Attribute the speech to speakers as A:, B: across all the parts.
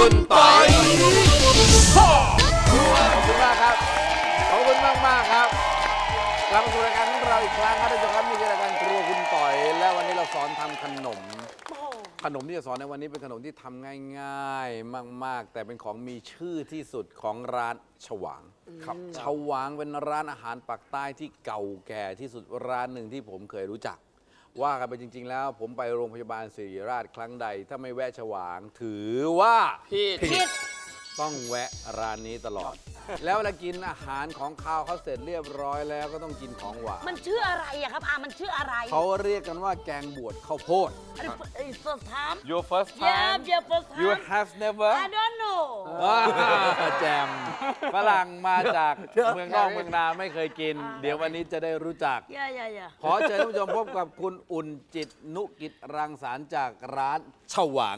A: คุณปอย
B: ขอบคุณมากครับ ขอบคุณมากครับกลับมาสู่รายการของเราอีกครั้งครับท่านผู้ชมครับนี่คือรายการครัวคุณต่อย และวันนี้เราสอนทำขนมที่จะสอนในวันนี้เป็นขนมที่ทำง่ายๆมากๆ แต่เป็นของมีชื่อที่สุดของร้านฉวางฉวางเป็นร้านอาหารปักใต้ที่เก่าแก่ที่สุดร้านหนึ่งที่ผมเคยรู้จัก ว่ากันไปจริง ๆ แล้วผมไปโรงพยาบาลศิริราชครั้งใด ถ้าไม่แวะฉวางถือว่าผิดต้องแวะร้านนี้ตลอด แล้วเวลากินอาหารของข้าวเขาเสร็จเรียบร้อยแล้วก็ต้องกินของหวาน
C: มันชื่ออะไรอะครับมันชื่ออะไร
B: เขาเรียกกันว่าแกงบวชข้าวโพด
C: first time
A: Your first
C: yeah
A: time
C: yeah first time
B: You have never
C: I don't know
B: แจมฝรั่งมาจากเมืองนอกเมืองนาไม่เคยกิน เดี๋ยววันนี้จะได้รู้จัก
C: yeah yeah yeah
B: ขอเชิญท่านผู้ชมพบกับคุณอุ่นจิตนุกิจรังสรรค์จากร้านฉวาง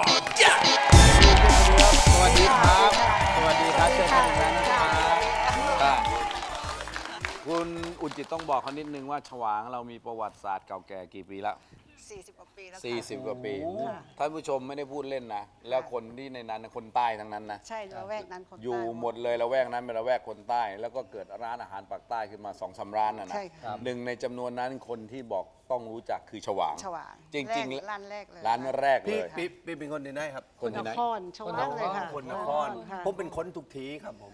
B: สวัสดีครับ สวัสดีครับเชิญท่านนะครับคุณอุ่นจิตต้องบอกเขานิดนึงว่าฉวางเรามีประวัติศาสตร์เก่าแก่กี่ปีแล้ว
D: 40 กว่าปีแล้วค่ะ
B: 40 กว่าปีท่านผู้ชมไม่ได้พูดเล่นนะ แล้วคนที่ในนั้นคนใต้ทั้งนั้นนะ
D: ใช่ละแวกนั้นคนใต้
B: อยู่หมดเลยละแวกนั้นเป็นละแวกคนใต้ แล้วก็เกิดร้านอาหารปากใต้ขึ้นมา2-3 ร้านนะนะ
D: ใช่ค่ะ
B: หนึ่งในจำนวนนั้นคนที่บอกต้องรู้จักคือฉวาง
D: ฉวาง
B: จริงๆ
D: ร้านแรกเลย
B: ร้านแรกเล
E: พี่
B: ย
E: พี่เป็นคนที่ไหนครับ
B: คนที่ไหน
D: นครฉวางเลยค่ะ
E: คนนคร
D: ค่ะ
E: ผมเป็นคนทุกทีครับผม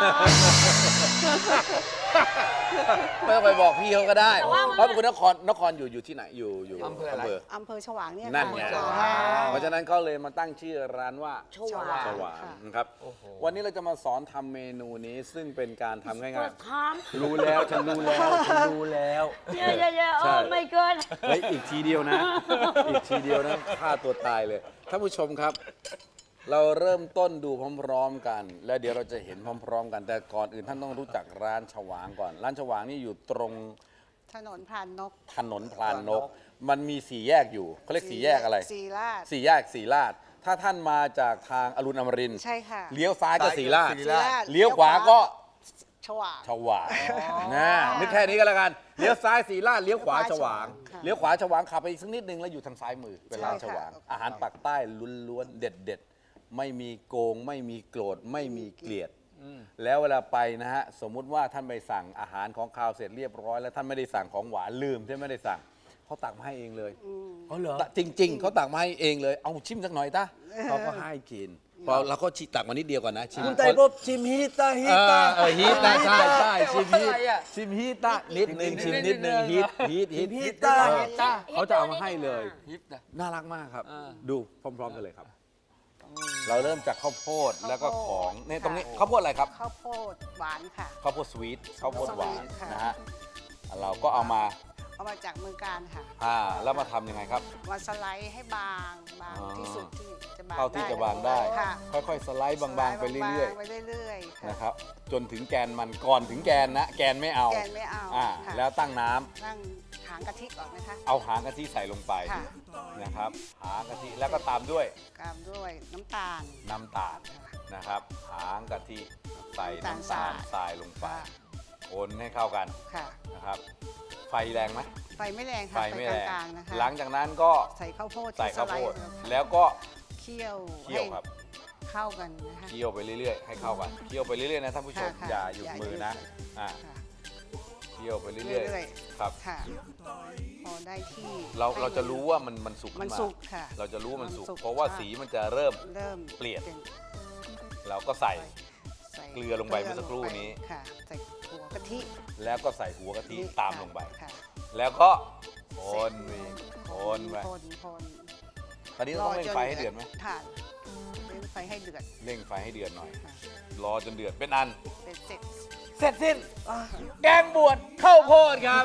B: ไม่ต้องไปบอกพี่เขาก็ได้
C: แต่ว่า
B: เพราะเป็นคนนครอยู่ที่ไหนอยู่
E: อำเภออะไร
D: อำเภอฉวางเนี่ย
B: นั่นไง
D: ค่ะ
B: เพราะฉะนั้นก็เลยมาตั้งชื่อร้านว่า
C: ฉวาง
B: ฉวางนะครับวันนี้เราจะมาสอนทำเมนูนี้ซึ่งเป็นการทำง่าย
C: first time
B: ๆรู้แล้วฉันรู้แล้ว
C: yeah yeah yeah
B: ใช่
C: oh my god
B: เฮ้ยอีกทีเดียวนะ อีกทีเดียวนะฆ่าตัวตายเลยท่านผู้ชมครับ เราเริ่มต้นดูพร้อมๆกัน แล้วเดี๋ยวเราจะเห็นพร้อมๆกัน แต่ก่อนอื่นท่านต้องรู้จักร้านฉวางก่อน ร้านฉวางนี่อยู่ตรง
D: ถนนพรานนก
B: ถนนพลานนก มันมี4 แยกอยู่เขาเรียก4 แยกอะไร
D: สีราช
B: 4 แยกสีลาดถ้าท่านมาจากทางอรุณอมรินทร์
D: ใช่ค่ะ
B: เลี้ยวซ้ายก็สีลาด
E: ศรีราช
B: เลี้ยวขวาก็
D: ฉวาง
B: ฉวางนะนึกแค่นี้ก็แล้วกันเลี้ยวซ้ายสีลาดเลี้ยวขวาฉวาง
D: ค่ะ
B: เลี้ยวขวาฉวางขับไปอีกสักนิดนึงแล้วอยู่ทางซ้ายมือเป็นร้านฉวาง
D: ใช่ค่ะ
B: อาหารปากใต้ล้วนๆเด็ดๆไม่มีโกงไม่มีโกรธไม่มีเกลียดแล้วเวลาไปนะฮะสมมุติว่าท่านไปสั่งอาหารของคาวเสร็จเรียบร้อยแล้วท่านไม่ได้สั่งของหวานลืมที่ไม่ได้สั่งเขาตักมาให้เองเลย
E: อ๋อเหรอ
B: จริง ๆเขาตักมาให้เองเลยเอาชิมสักหน่อยตาเขาก็ให้กินพอเราก็ตักมานิดเดียวก่อนนะชิม
E: คุณไต่บ๊อบชิมฮิตาฮิตา
B: ฮีตนะใช่ชิมฮีตะนิดนึงชิมนิดนึงฮีต
E: ฮิตา
B: เขาจะเอามาให้เลยน่ารักมากครับ ดูพร้อมๆกันเลยครับ เราเริ่มจากข้าวโพดแล้วก็ของเนี่ยตรงนี้ข้าวโพดอะไรครับ
D: ข้าวโพดหวานค่ะ
B: ข้าวโพดสวีทข้าวโพดหวาน
D: สวีทค่ะ
B: นะฮะเราก็เอามา
D: เอามาจากเมืองการค่ะ
B: แล้วมาทำยังไงครับ
D: มาสไลด์ให้บางที่สุดที่จะบาง
B: เท่าที่จะบางได้
D: ค่ะ
B: ค่อยๆสไลด์บางๆไปเรื่อย
D: ๆไปเรื่อยๆ
B: ๆ
D: ค่ะ
B: นะครับจนถึงแกนมันก่อนถึงแกนนะแกนไม่เอา
D: แกนไม่เอา ค่ะ
B: แล้วตั้งน้ำ
D: นั่งหางกะทิก่อนนะคะ
B: เอาหางกะทิใส่ลงไป
D: ค่ะ
B: นะครับหางกะทิแล้วก็ตามด้วย
D: ตามด้วยน้ำตาล
B: น้ำตาลนะครับ หางกะทิใส่น้ำตาลทรายลงไปคนให้เข้ากัน
D: ค่ะ
B: นะครับ ไฟแรงไหม
D: ไฟไม่แรง
B: ไฟ
D: ค่ะ
B: ไม่แรง
D: กลางๆนะคะ
B: หลังจากนั้นก็
D: ใส่ข้าวโพด
B: ใส่
D: ที่
B: ข้าว
D: สไล
B: โพด
D: ด์ค่ะ
B: แล้วก็
D: เคี่ยว
B: เคี่ยวครับ
D: ให้เข้ากันนะคะ
B: เคี่ยวไปเรื่อยๆให้เข้ากันเคี่ยวไปเรื่อยๆนะท่านผู้ชม
D: ค่ะ
B: อย่าหยุดมือนะ
D: ค่ะ
B: เคี่ยวไปเรื่
D: เรื่
B: อย
D: อย
B: ๆครับ
D: ๆค่ะ พอได้ที่
B: เราจะรู้ว่ามันสุก
D: มัน
B: ขึ้นมา
D: สุกค่ะ
B: เราจะรู้ว่ามันสุก
D: มันสุก
B: เพราะว่า
D: ใช่
B: สีมันจะเริ่ม
D: เริ่ม
B: เปลี่ยน
D: ป็
B: เราก็ใส่
D: ใส่
B: เกลือลงไปเมื่อสักครู่นี้
D: ค่ะใส่หัวกะทิ
B: แล้วก็ใส่หัวกะทิตามลงไป
D: ค่ะ
B: แล้วก็คนวีคนไป
D: คน
B: ตอนนี้ต้องเร่งไฟให้เดือดไหม
D: ค่ะเร่งไฟให้เดือด
B: เร่งไฟให้เดือดหน่อย
D: ค่ะ
B: รอจนเดือดเป็นอัน
D: เป็นเสร็จ
B: เสร็จสิ้น แกงบวชข้าวโพดครับ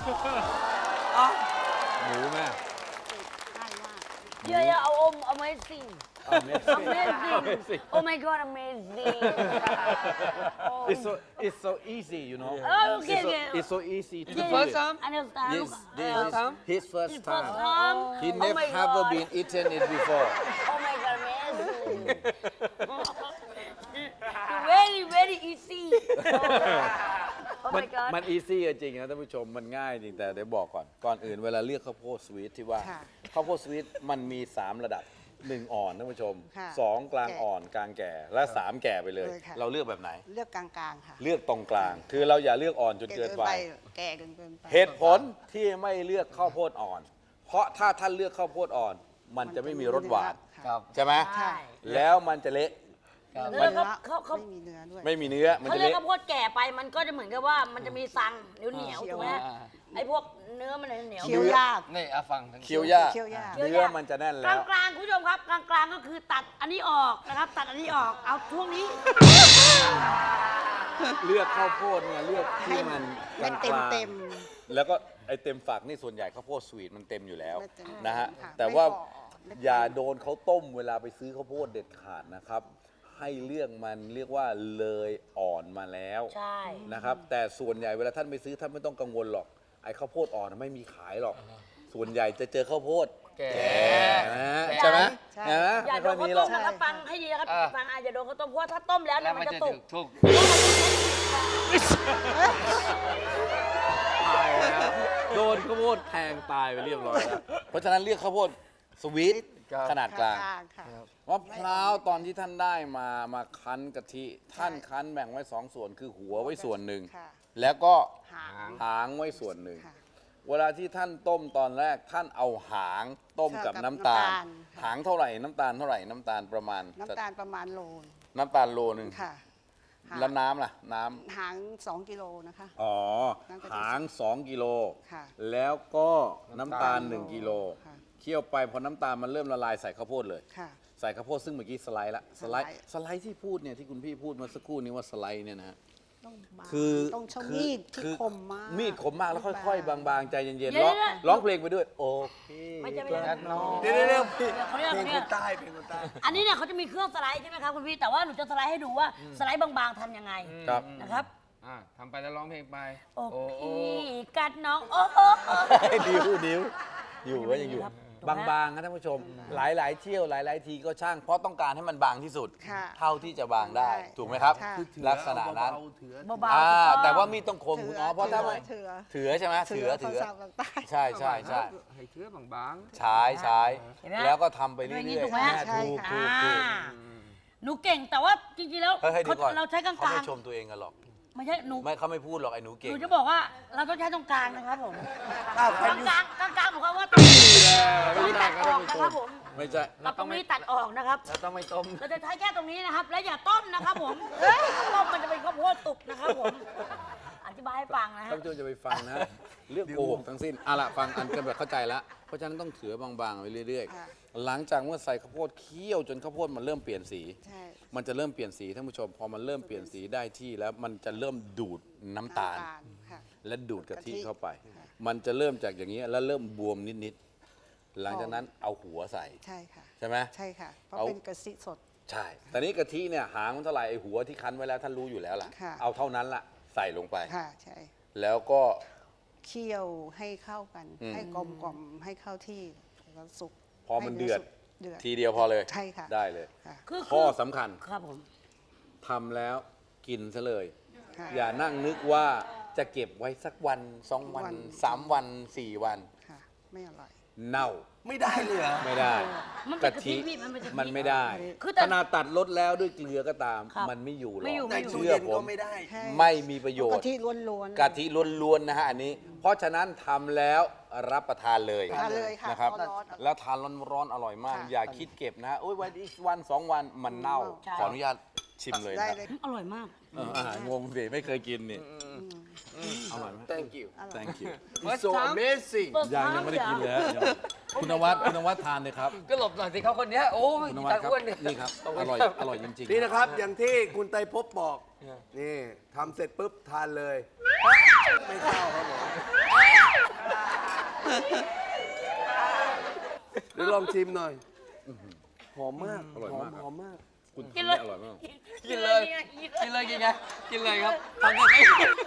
B: หมูแม่
D: ง่ายมาก
C: yeah yeah amazing amazing oh my god amazing oh
B: It's so easy, you know.
C: Oh, okay,
B: It's so,
C: okay.
B: it's so easy to
C: The
B: do
C: first
B: it.
C: time understand
B: Yes, this
C: First
B: is
C: time?
B: his first
C: His first
B: time.
C: time
B: He
C: oh
B: never
C: my
B: ever
C: god
B: been eaten it before.
C: oh my god amazing very very easy oh
B: มั
C: my god
B: มัน easy จริงนะท่านผู้ชมมันง่ายจริงแต่เดี๋ยวบอกก่อนอื่นเวลาเลือกข้าวโพดสวีทที่ว่า
D: ค่ะ
B: ข้าวโพดสวีทมันมี3 ระดับ 1 อ่อนท่านผู้ชม
D: ค่ะ
B: 2 กลางอ่อนกลางแก่และ 3 แก่ไปเลย
D: เลยค่ะ
B: เราเลือกแบบไหน
D: เลือกกลางๆค่ะ
B: เลือกตรงกลาง คือเราอย่าเลือกอ่อนจนเกินไป
D: แก่เกินไป
B: เหตุผลที่ไม่เลือกข้าวโพดอ่อน เพราะถ้าท่านเลือกข้าวโพดอ่อน มันจะไม่มีรสหวาน
E: ครับ
B: ใช่ไหม
C: ใช่
B: แล้วมันจะเละ
E: ครับ
C: แล้ว
D: เนื้อ
C: เขา
D: ไม่มีเนื้อด้วย
B: ไม่มีเนื้อมัน
C: เขา
B: จะ
C: เรียก
B: เละ
C: ข้าวโพดแก่ไปมันก็จะเหมือนกับว่ามันจะมีซังเหนียว
D: เคี้
C: ๆ
D: ยว
C: ถูกไหมไอ้พวกเนื้อมันเหนียว
D: เคี้ยวยาก
E: นี่อาฟังทั้ง
B: เคี้ยวยาก
D: เคี้ยวยาก
B: เนื้อมันจะแน่น
C: ก
B: แล้ว
C: ลางๆคุณผู้ชมครับกลางๆก็คือตัดอันนี้ออกนะครับ ตัดอันนี้ออกเอาช่วงนี้
B: เลือกข้าวโพดเนี่ยเลือกที่มันก
D: ให้
B: ลาง
D: เต็ม
B: ๆ
D: เต็ม
B: แล้วก็ไอเต็มฝักนี่ส่วนใหญ่ข้าวโพดสวีทมันเต็มอยู่แล้ว
D: ไม่เต็ม
B: นะฮะ
D: ค่ะ
B: แต่ว่า
D: ไม่ฝ่อ
B: อย่าโดนเขาต้มเวลาไปซื้อข้าวโพดเด็ดขาดนะครับ ให้เลือกมันเรียกว่าเลยอ่อนมาแล้ว
C: ใช่
B: นะครับ แต่ส่วนใหญ่เวลาท่านไปซื้อท่านไม่ต้องกังวลหรอกไอ้ข้าวโพดอ่อนไม่มีขายหรอก ส่วนใหญ่จะเจอข้าวโพด
E: แก่
B: แก่นะฮะใช่ไหม
D: ใช่
B: เห็นไหม
C: อย่า
B: ไม่
C: โด
B: ค่อน ย
C: ข้าว
B: มีหร
C: ต้
B: อก
C: มนะครับฟังให้ดีนะครับฟังอย่าโดนข้าวต้มเพราะว่าถ้าต้มแล้วเนี่
E: แล้
C: ยว มั
E: มัน น
C: จะ
E: จะ
C: สุ
E: ถู
C: ก
E: กทุก
B: ตายแล้วโดนข้าวโพดแทงตายไปเรียบร้อยแล้ว เพราะฉะนั้นเรียกข้าวโพดสวีทขนาดกลาง
D: ค่ะ
B: มะพร้าวตอนที่ท่านได้มาคั้นกะทิท่านคั้นแบ่งไว้สองส่วนคือหัวไว้ส่วนหนึ่ง
D: ค่ะ
B: แล้วก็
D: หาง
B: หางไว้ส่วนหนึ่ง
D: ค่ะ
B: เวลาที่ท่านต้มตอนแรกท่านเอาหางต้มกับ
D: กับ
B: น้ำตาล
D: น้ำตาลค่ะ
B: หางเท่าไหร่น้ำตาลเท่าไหร่น้ำตาลประมาณ
D: น้ำตาลประมาณโลน
B: น้ำตาลโลนึง
D: ค่ะหาง
B: แล้วน้ำล่ะน้ำ
D: หาง2 กิโลนะคะ
B: อ๋อ
D: น้ำกะทิ
B: หาง 2 กิโล
D: ค่ะ
B: แล้วก็น้ำตาล 1 กิโล
D: ค่ะ
B: เคี่ยวไปพอน้ำตาลมันเริ่มละลายใส่ข้าวโพดเลย
D: ค่ะ
B: ใส่ข้าวโพดซึ่งเมื่อกี้สไลด์ละสไลด์
D: สไลด์
B: ที่พูดเนี่ยที่คุณพี่พูดเมาสักครู่นี้ว่าสไลด์เนี่ยนะฮะ
D: ต้องบาง
B: คือ
D: ต้องใช้
B: คือ
D: มีดที่
B: คือ
D: คมมาก
B: มีดคมมากแล้วค่อยๆ บางๆ ใจเย็น
C: เดี๋
B: ๆ
C: ยว
B: ร้อง
C: เดี๋ยว
B: ร้องเพลงไปด้วย โอเค
C: ไม่ใช่
E: แค่น้องเดี๋ยวพี่
C: เขาเรียก
E: เพลง
C: เนี่
E: ค
C: ย
E: นใต้เพลงคนใต้
C: อันนี้เนี่ยเขาจะมีเครื่องสไลด์ใช่ไหมครับคุณพี่แต่ว่าหนูจะสไลด์ให้ดูว่าสไลด์บางๆทำยังไง
B: ครับ
C: นะครับ
E: ทำไปแล้วร้องเพลงไป
C: โอ้
E: โอ้โอ้
C: พี่กัดน้องโอ้โอ้โอ้
B: ดิ้วอยู่ก็ยังอยู่
C: ครับ
B: บางๆนะท่านผู้ชม หลายๆเที่ยวหลาย ๆ ทีก็ช่าง เพราะต้องการให้มันบางที่สุด
D: ค่ะ
B: เท่าที่จะบางได้ ถูกไหมครับ
D: ค่ะ
B: ลักษณะนั้น
C: เบาๆถูกอง
B: แต่ว่ามีดต้องคมคุณอ๋อเพราะถ้าไม่
D: เถือ
B: เถือใช่ไหมเถือ
D: ภาษาภาคใต้
B: ใช่ใช่ใช่
E: ให้เชื้อบาง
B: ใช้ใช้
C: เห็นไหม
B: แล้วก็ทำไปเรื่
C: อย่างนี้
B: อย
C: ถูกไหม
B: ๆถูก
C: อ่า
B: ถูก
C: หนูเก่งแต่ว่าจริงๆแล้ว
B: เฮ้ยเดี๋ยวก่อน
C: เราใช้กลาง
B: เขาไม่ชมตัวเองกันหรอก
C: ๆไม่ใช่หนู
B: ไม่เขาไม่พูดหรอกไอ้หนู
C: ห
B: เก่ง
C: นูจะบอกว่าเราต้องใช้ตรงกลางนะครับผม
E: อ้าว
C: ก
E: ใคร
C: ลาง
E: อยู่
C: ๆกลางๆหมายความว่าตรงนี้ตัดออกนะครับผม
B: ไม่ใช่
C: เราตรงนี้ตัดออกนะครับ
E: เราต้องไม่ต้ม
C: เราจะใช้แค่ตรงนี้นะครับ และอย่าต้มนะครับผมต้มมันจะเป็นข้าวโพดตุกนะครับผม อธิบายให้ฟังนะฮะ
B: ท่านผู้ชมจะไปฟังนะ เรื่องโกหกทั้งสิ้นเอาละฟังอันกันแบบเข้าใจแล้ว เพราะฉะนั้นต้องเถือบางๆไปเรื่อย
D: ค่ะ
B: ๆ หลังจากเมื่อใส่ข้าวโพดเคี่ยวจนข้าวโพดมันเริ่มเปลี่ยนสี
D: ใช่
B: มันจะเริ่มเปลี่ยนสีท่านผู้ชม พอมันเริ่มเปลี่ยนสีได้ที่แล้วมันจะเริ่มดูดน้ำตาล
D: ค่ะ
B: และดูดกะทิ
D: กะทิ
B: เข้าไป
D: ค่ะ
B: มันจะเริ่มจากอย่างนี้แล้วเริ่มบวมนิดๆ หลังจากนั้นเอาหัวใส่
D: ใช่ค่ะ
B: ใช่ไหม
D: ใช่ค่ะ เพราะ
B: เอา
D: เป็นกะทิสด
B: ใช่แต่นี้กะทิเนี่ยหางมันเท่าไหร่ไอหัวที่คั้นไว้แล้วท่านรู้อยู่แล้วล่ะ
D: ค่ะ
B: เอาเท่านั้นละใส่ลงไป
D: ค่ะ ใช่
B: แล้วก็
D: เคี่ยวให้เข้ากัน
B: อืม
D: ให้กลมกล่อมให้เข้าที่แล้วสุก
B: พอมันเดือด
D: เดือด
B: ทีเดียวพอเลย
D: ใช่ค่ะ
B: ได้เลย
D: ค่ะ
B: ข้อสำคัญ
C: ครับผม
B: ทำแล้วกินซะเลย
D: ค่ะ
B: อย่านั่งนึกว่าจะเก็บไว้สักวันสองวัน
D: วัน
B: 3 วัน 4 วัน
D: ค่ะ ไม่อร่อย
B: เน่า
E: ไม่ได้เลยเหรอ
B: ไม่ได้
C: มันเป็น
B: กะ
C: กะ
B: ทิ
C: ทิพี่มันเป็นกะทิ
B: มันไม่ได้
C: คือแต่
B: ขนาดตัดลดแล้วด้วยเกลือก็ตาม
C: ครับ
B: มันไม่อยู่หรอก
C: ไม่อยู่
E: ใน
C: ไม่
E: ตู้
B: เชื่อ
E: เย็น
B: ผ
E: ก็
B: ม
E: ไม่ได้
D: ใช่
B: ไม่มีประโยช
D: กะ
B: น์
D: ทิล้วนๆ
B: กะทิล้วนๆนะฮะอันนี้ เพราะฉะนั้นทำแล้วรับประทานเลย
D: ทานเลยค่ะ
B: นะครับ
D: ร้อนๆ
B: แล้วทานร้อนๆอร่อยมาก
D: ค่ะ
B: อย่าคิดเก็บนะฮะโอ้ยวันอีกวันสองวันมันเน่า
C: ใช่
B: ขออนุญาตชิมเลย
D: ได้
B: นะ
D: เลย
C: อร่อยมาก
B: อาหารงงสิไม่เคยกินนี่อร่อยไหม
E: thank you
B: thank you
E: it's so amazing
B: ยังไม่ได้กินเลยฮะคุณนวัดทานเลยครับ
E: ก็หลบหน่อยสิเขาคนเนี้ยโอ้ย
B: คุณนวัด
E: ตา
B: ครับ
E: อ้วนเนี่ย
B: นี่ครับอร่อยจริงๆ
A: นี่นะครับ อย่างที่คุณไตรภพบอก นี่ทำเสร็จปุ๊บทานเลย ไม่เข้าครับผมเดี๋ยวลองชิมหน่อย หอมมาก
B: อร่อยมาก
A: หอมมาก
B: คุณ
C: กิน
B: ทำ
C: เล
B: ได้
C: ย
B: อร่อยมาก
E: กินเลย กินเลยกินไงกินเลยครับทำยังไง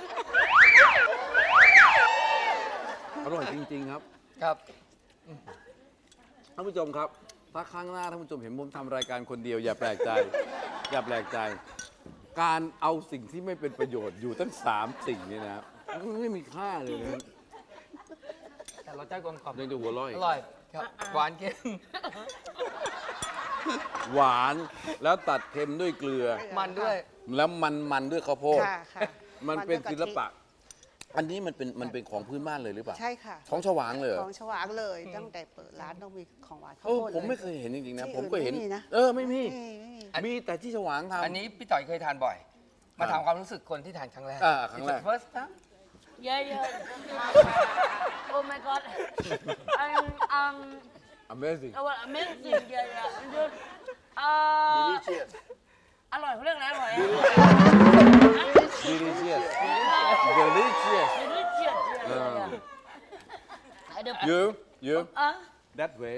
B: อร่อยจริงๆครับ
E: ครับ
B: ท่านผู้ชมครับ ถ้าครั้งหน้าท่านผู้ชมเห็นผมทำรายการคนเดียวอย่าแปลกใจ อย่าแปลกใจ การเอาสิ่งที่ไม่เป็นประโยชน์อยู่ตั้ง3 สิ่งนี่นะครับมันไม่มีค่าเลยนะ
E: แต่รสชาติกลมกล่อม
B: ยังจะหัวเร้อย
E: อร่อยครับหวานเค็ม
B: หวานแล้วตัดเค็มด้วยเกลือ
E: มันด้วย
B: แล้วมันด้วยข้าวโพด
D: ค่ะค่ะ
B: มันเป็น
D: ด้วยกะทิ
B: ศิลปะ อันนี้มันเป็นของพื้นบ้านเลยหรือเปล่า
D: ใช่ค่ะ
B: ของฉวางเลยเหรอ
D: ของฉวางเลย ตั้งแต่เปิดร้านต้องมีของหวานข้าว
B: โอ้
D: โพด
B: ผมไม่
D: ล
B: เคยเห็นจริงๆนะ
D: ที่
B: ผมก็เห็น
D: อื่นไม่มีนะ
B: ไม่มี
D: ไม่มี
B: มีแต่ที่ฉวางทำ
E: อันนี้พี่ต่อยเคยทานบ่อย มาถามความรู้สึกคนที่ทานครั้งแรก
B: ครั้งแรก
E: first time
C: Yeah, yeah. Oh my God.
B: Amazing
C: Amazing. Yeah, yeah.
A: delicious
C: อร่อยเขาเรียกอะไรอร่อย
B: delicious delicious
C: delicious.
B: you that way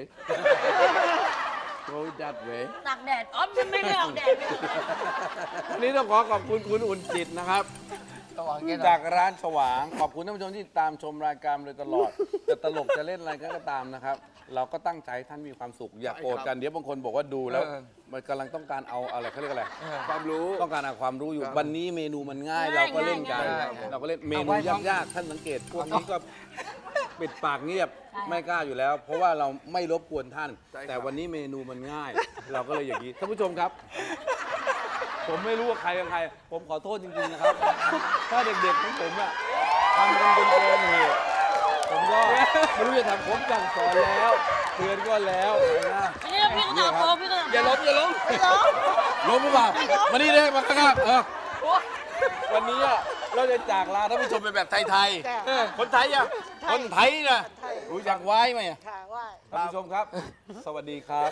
B: go that way
C: ตากแดดอ๋อไม่ได้ออกแดด
B: วันนี้ต้องขอขอบคุณคุณอุ่นจิตนะครับ
E: ต้องวางแค่ไหน
B: จากร้านฉวาง ขอบคุณท่านผู้ชมที่ตามชมรายการมาโดยตลอด จะตลกจะเล่นอะไรก็ตามนะครับ เราก็ตั้งใจให้ท่านมีความสุข อย่าโกรธกันเดี๋ยวบางคนบอกว่าดูแล้ว มันกำลังต้องการเอาอะไรเขาเรียกอะไร
A: ความรู้
B: ต้องการเอาความรู้อยู่ วันนี้เมนูมันง่ายเราก็เล่นกัน เราก็เล่นเมนูยากๆท่านสังเกตพวกนี้ก็ปิดปากเงียบไม่กล้าอยู่แล้ว เพราะว่าเราไม่รบกวนท่าน
A: ใช่ครับ
B: แต่วันนี้เมนูมันง่าย เราก็เลยอย่างนี้ท่านผู้ชมครับ ผมไม่รู้ว่าใครเป็นใคร ผมขอโทษจริงๆนะครับ ถ้าเด็กๆของผมอะทำกันจนเกินเหตุผมก็ไม่รู้จะทำผมสั่งสอนแล้วเตือนก็แล้วนะ
C: นี่พี่ก็ตามโตพี่ก็ตาม
E: อย่าล้มอย่าล้ม
B: ล้มหรือเปล่ามานี่เลยมาข้างหน้าวันนี้อะเราจะจากลาท่านผู้ชมเป็นแบบไทย
D: จ้ะ
B: ๆ คนไทยอะคนไทยนะ
D: ไทย
B: รู้จักไว้ไหมอะ
D: ค่ะว่า
B: ท่านผู้ชมครับ สวัสดีครับ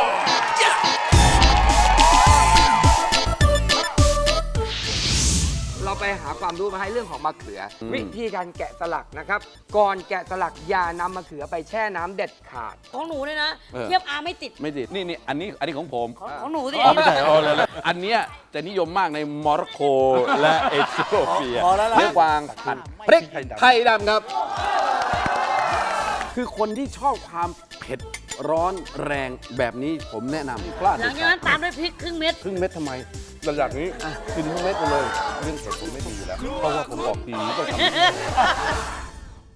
E: เราไปหาความรู้มาให้เรื่องของมะเขืออวิธีการแกะสลักนะครับ ก่อนแกะสลักอย่านำมะเขือไปแช่น้ำเด็ดขาด
C: ของหนูเนี่ยนะ
B: เออ
C: เทียบอาไม่ติด
B: ไม่ติดนี่อันนี้ของผม
C: ของหนูสิ
B: อ๋อไม่ใช่เอาเลยอันเนี้ยจะนิยมมากในโมร็อกโกและเอธิโอเปีย
A: พอแล้วล่ะ
B: เนื้อกวางผัดพริกไทยดำครับ คือคนที่ชอบความเผ็ดร้อนแรงแบบนี้ผมแนะนำพลาด
C: หลังจากนั้นตามด้วยพริกครึ่งเม็ด
B: ครึ่งเม็ดทำไมระดับนี้กินทั้งเม็ดไปเลย เรื่องเผ็ดผมไม่ดีอยู่แล้ว เพราะว่าผมออกทีวีต้องทำ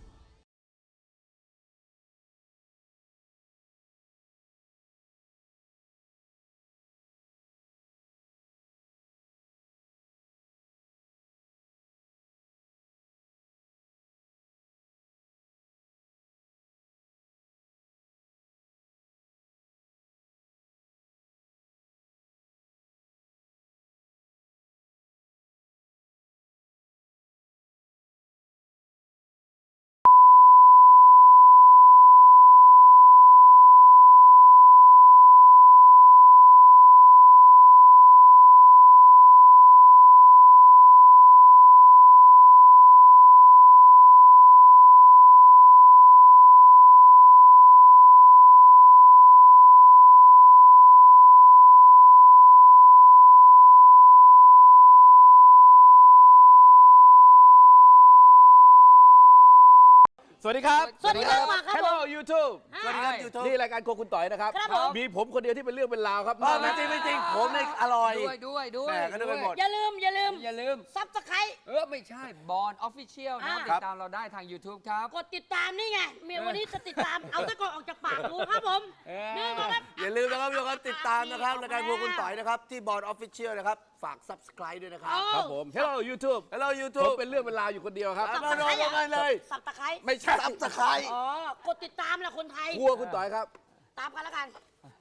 B: สวัสดีครับ
C: สวัสดีครับมาครับ
B: Hello YouTube
A: สวัสดีครับ YouTube
B: นี่รายการโครัวคุณต่อยนะครับ
C: ครับผม
B: มีผมคนเดียวที่เป็นเรื่องเป็นราวครับ
A: ไม่จริงไม่จริงผมเนี่ยอร่อย
E: ด้วย
A: แหม่ก็นึกไปหมด
C: อย่าลืม
E: อย่าลืม
C: ซับสไครต์
E: ไม่ใช่บอลออฟฟิเชียลนะ
C: อ่า
E: ติดตามเราได้ทาง YouTube ครับ
C: กดติดตามนี่ไงเมียวันนี้จะติดตาม เอาตะกอนออกจากปากกูครับผม นี่ก็ครับ
A: อย่าลืมนะครับทุกคนติดตามนะครับรายการพวกคุณต่อยนะครับ ที่บอร์ดออฟฟิเชียลนะครับ ฝาก subscribe ด้วยนะครับ
B: ครับผม Hello YouTube
A: Hello
B: ผม
A: YouTube
B: เป็นเรื่องเป็นราวอยู่คนเดียวครับ
A: มาลงกันเลย
C: สับตะไคร้
B: ไม่ใช่
A: subscribe
C: อ๋อ กดติดตามแหละคนไทย
B: ครัวคุณต่อยครับ
C: ตามกันแล้วกัน